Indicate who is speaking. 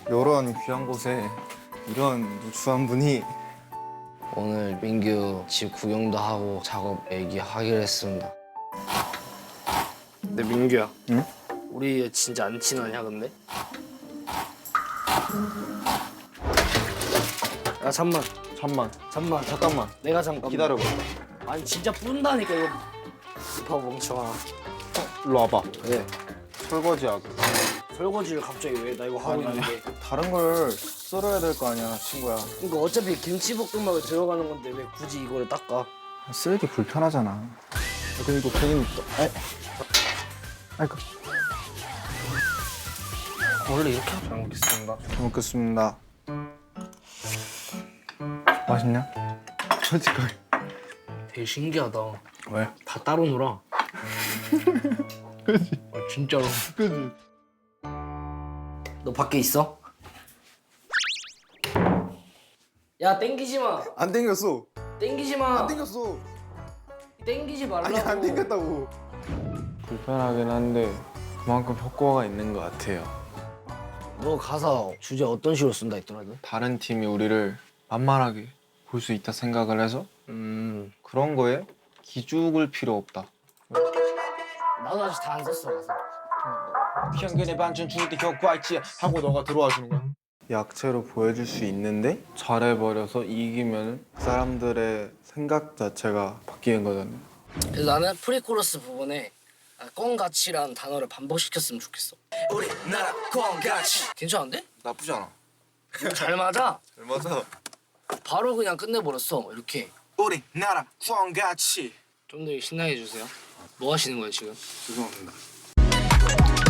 Speaker 1: 이런 귀한 곳에 이런 누추한 분이.
Speaker 2: 오늘 민규 집 구경도 하고 작업 얘기하기로 했습니다. 근데 민규야.
Speaker 1: 응?
Speaker 2: 우리 진짜 안 친하냐 근데? 야 잠만.
Speaker 1: 잠깐만
Speaker 2: 내가 잠깐.
Speaker 1: 기다려봐.
Speaker 2: 아니 진짜 뿐다니까 이거. 봐 멍청아.
Speaker 1: 일로 와봐.
Speaker 2: 그래.
Speaker 1: 설거지하고.
Speaker 2: 설거지를 갑자기 왜? 나 이거 하고 있는데.
Speaker 1: 다른 걸 썰어야 될 거 아니야, 친구야.
Speaker 2: 그러니까 어차피 김치볶음밥에 들어가는 건데 왜 굳이 이거를 닦아?
Speaker 1: 쓰레기 불편하잖아. 그럼 이거 괜히 또. 아이고.
Speaker 2: 원래 이렇게 하지 않겠습니다.
Speaker 1: 잘 먹겠습니다. 맛있냐? 솔직하게.
Speaker 2: 되게 신기하다.
Speaker 1: 왜?
Speaker 2: 다 따로 놀아.
Speaker 1: 그지?
Speaker 2: 진짜로.
Speaker 1: 그지?
Speaker 2: 너 밖에 있어? 야 땡기지 마.
Speaker 1: 안 땡겼어.
Speaker 2: 땡기지 마.
Speaker 1: 안 땡겼어.
Speaker 2: 땡기지 말라고.
Speaker 1: 아니 안 땡겼다고. 불편하긴 한데 그만큼 효과가 있는 것 같아요.
Speaker 2: 너 가사 주제 어떤 식으로 쓴다 했더라고?
Speaker 1: 다른 팀이 우리를 만만하게 볼 수 있다 생각을 해서 그런 거에 기죽을 필요 없다.
Speaker 2: 나도 아직 다 안 썼어 가사.
Speaker 1: 평균의 반전 죽을 때 효과 있지 하고 너가 들어와 주는 거야. 약체로 보여줄 수 있는데 잘해버려서 이기면 사람들의 생각 자체가 바뀌는 거잖아.
Speaker 2: 그래서 나는 프리코러스 부분에 꽁같이라는 단어를 반복시켰으면 좋겠어. 우리나라 꽁같이. 괜찮은데?
Speaker 1: 나쁘지 않아.
Speaker 2: 잘 맞아.
Speaker 1: 잘 맞아.
Speaker 2: 바로 그냥 끝내버렸어 이렇게.
Speaker 1: 우리나라 꽁같이.
Speaker 2: 좀 더 신나게 해주세요. 뭐 하시는 거예요 지금?
Speaker 1: 죄송합니다.